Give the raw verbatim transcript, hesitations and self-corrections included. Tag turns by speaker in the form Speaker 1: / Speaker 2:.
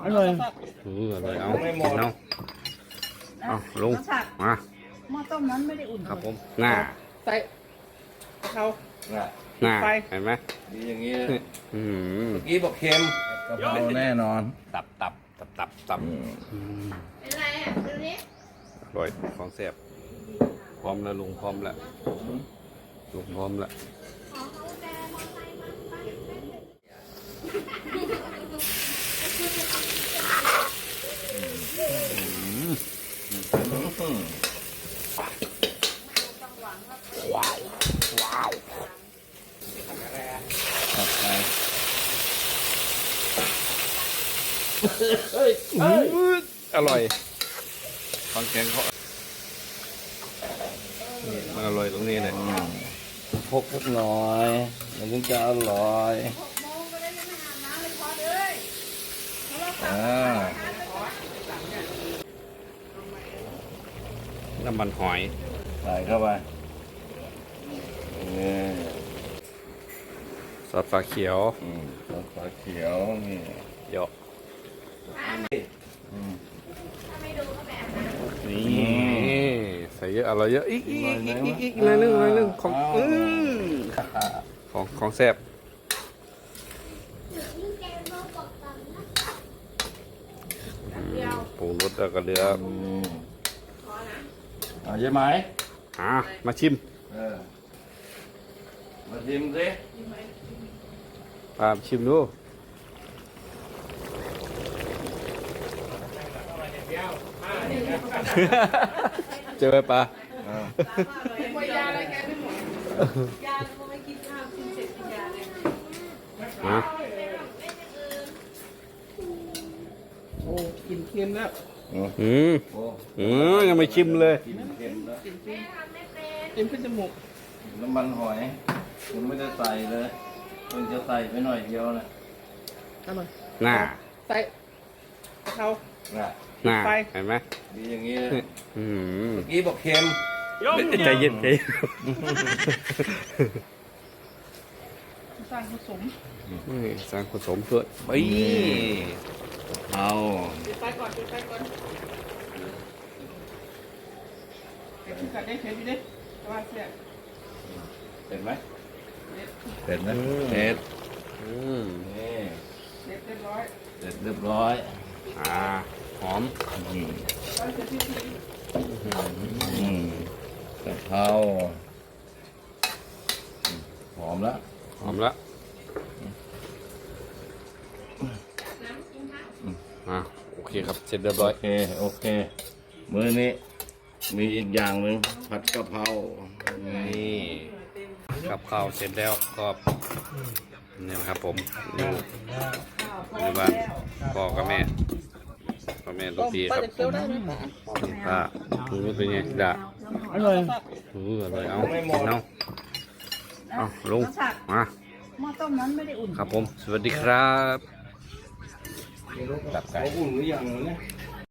Speaker 1: อร่อย
Speaker 2: เอออร่อยเอากินเอาเอาลุงมา
Speaker 3: หม้อต้มนั้นไม่ได้อุ่น
Speaker 2: ครับผมหน้า
Speaker 1: ใส่เขา
Speaker 2: หน้าเห็นไหม
Speaker 4: ดีอย่างนี้
Speaker 2: อืม
Speaker 4: เมื่อกี้บอกเค็มกะเพราแน่นอน
Speaker 2: ตับตับตับตับตับ
Speaker 3: เป็นไรอ่ะดูนี้
Speaker 2: อร่อยของแซ่บพร้อมแล้วลุงพร้อมแล้วลุงพร้อมแล้วว้าวว้าว
Speaker 4: ตัดไป
Speaker 2: อร่อยฟังแกงเขามันอร่อยตรงนี้เลย
Speaker 4: พกสักหน่อยมันถึงจะอร่อยอ่า
Speaker 2: น้ำมันหอย
Speaker 4: ใส่เข้าไปนี่
Speaker 2: ซอสฟ้าเขียว
Speaker 4: อืมซอสฟ้าเขียวนี่
Speaker 2: เยอะนี่ใส่เยอะอร่อยเยอะอีกอีกอีกอีกอีกอีกหน่อยนึงหน่อยนึงของอือของของแซ่บปรุงรสแล้วก็เหลือ
Speaker 4: เอาใช่ไหม
Speaker 2: อ่ามาชิม
Speaker 4: เออมาชิมสิ
Speaker 2: ปาชิมดูเจอไหมปลา
Speaker 3: ป่วยยาอะไรแกไม่หมดยาเขาไม่กินข้าวกินเสร็จกินยาเลย
Speaker 2: มา
Speaker 1: โอ้กินเค็มแล้ว
Speaker 2: อืมอืมยังไม่ชิมเลย
Speaker 4: กินเค็มแล้ว
Speaker 1: เค็มขึ้นจมูก
Speaker 4: น้ำมันหอยคุณไม่ได้ใส่เลยคุณจะใส่ไปหน่อยเดียวนะ
Speaker 1: อร่อย
Speaker 2: หน้า
Speaker 1: ใส่เขา
Speaker 4: น่ะ
Speaker 2: หน้าเห็นไหม
Speaker 4: ดีอย่างนี้
Speaker 2: อืม
Speaker 4: เมื่อกี้บอกเค็ม
Speaker 2: ใจเย็นใจ
Speaker 1: สร้างผสม
Speaker 2: สร้างผสมเพื่อไป
Speaker 4: เอา
Speaker 1: ปิดไฟก่อนปิดไฟก่อนเดี๋ยวกินกัดได้เผ็ดอยู่ดิแต่ว่าเสีย
Speaker 4: เผ็ดไหมเผ็ดนะเผ็ด
Speaker 2: อืม
Speaker 4: นี่
Speaker 1: เรียบร้อย
Speaker 4: เสร็จเรียบร้อย
Speaker 2: อ่าหอม
Speaker 4: อืมอืมกะเพราหอมแล้ว
Speaker 2: หอมแล้วอ่าโอเคครับเสร็จเรียบร้อย
Speaker 4: โอเคโอเคมื้อนี้มีอีกอย่างหนึ่งผัดกะเพรา
Speaker 2: นี่กับข้าวเสร็จแล้วก็นี่นะครับผมอยู่ในบ้านพ่อกับแม่พ่อแม่ลูกดีครับป้าคุณรู้เป็นไงด่า
Speaker 1: อร่อย
Speaker 2: เอออร่อยเอากินเอาเอาลุงมา
Speaker 3: หม้อต้มนั้นไม่ได้อุ่น
Speaker 2: ครับผมสวัสดีครับ
Speaker 4: ตับไก่อุ่นหรือยังเนี่ย